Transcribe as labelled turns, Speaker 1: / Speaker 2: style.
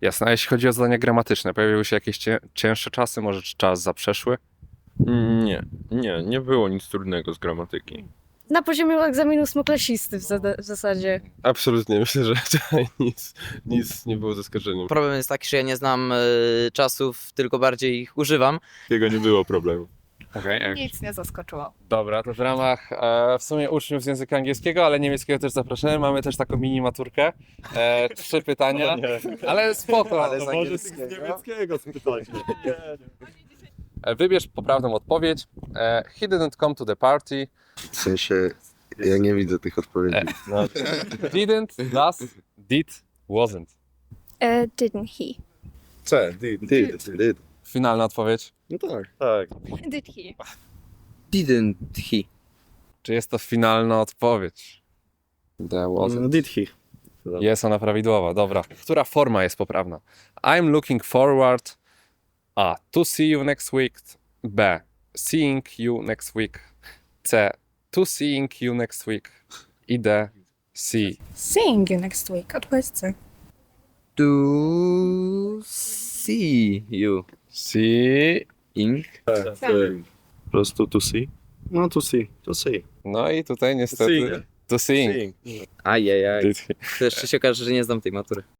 Speaker 1: Jasne, a jeśli chodzi o zadania gramatyczne, pojawiły się jakieś cięższe czasy, może czas zaprzeszły?
Speaker 2: Nie było nic trudnego z gramatyki.
Speaker 3: Na poziomie egzaminu ósmoklasisty w zasadzie.
Speaker 4: Absolutnie, myślę, że tutaj nic nie było zaskoczeniem.
Speaker 5: Problem jest taki, że ja nie znam czasów, tylko bardziej ich używam.
Speaker 4: Takiego nie było problemu.
Speaker 1: Okej.
Speaker 6: Nic nie zaskoczyło.
Speaker 1: Dobra, to w ramach w sumie uczniów z języka angielskiego, ale niemieckiego też zapraszamy. Mamy też taką mini maturkę. 3 pytania, ale spoko.
Speaker 4: To może z niemieckiego spytać.
Speaker 1: Wybierz poprawną odpowiedź. He didn't come to the party.
Speaker 7: W sensie, ja nie widzę tych odpowiedzi.
Speaker 1: Didn't, does, did, wasn't.
Speaker 3: Didn't he?
Speaker 4: C,
Speaker 7: Did.
Speaker 1: Finalna odpowiedź.
Speaker 4: No tak. Tak.
Speaker 6: Did he?
Speaker 5: Didn't he?
Speaker 1: Czy jest to finalna odpowiedź? There wasn't.
Speaker 4: Did he.
Speaker 1: Jest ona prawidłowa, dobra. Która forma jest poprawna? I'm looking forward A. To see you next week. B. Seeing you next week. C. To seeing you next week. I D. See.
Speaker 6: Seeing you next week. Odpowiedź C.
Speaker 5: To see you.
Speaker 1: See.
Speaker 5: Ing.
Speaker 4: Po prostu to see. No to see. To see.
Speaker 1: No i tutaj niestety... To seeing.
Speaker 5: Ajajaj.
Speaker 1: Did he.
Speaker 5: To jeszcze się okaże, że nie znam tej matury.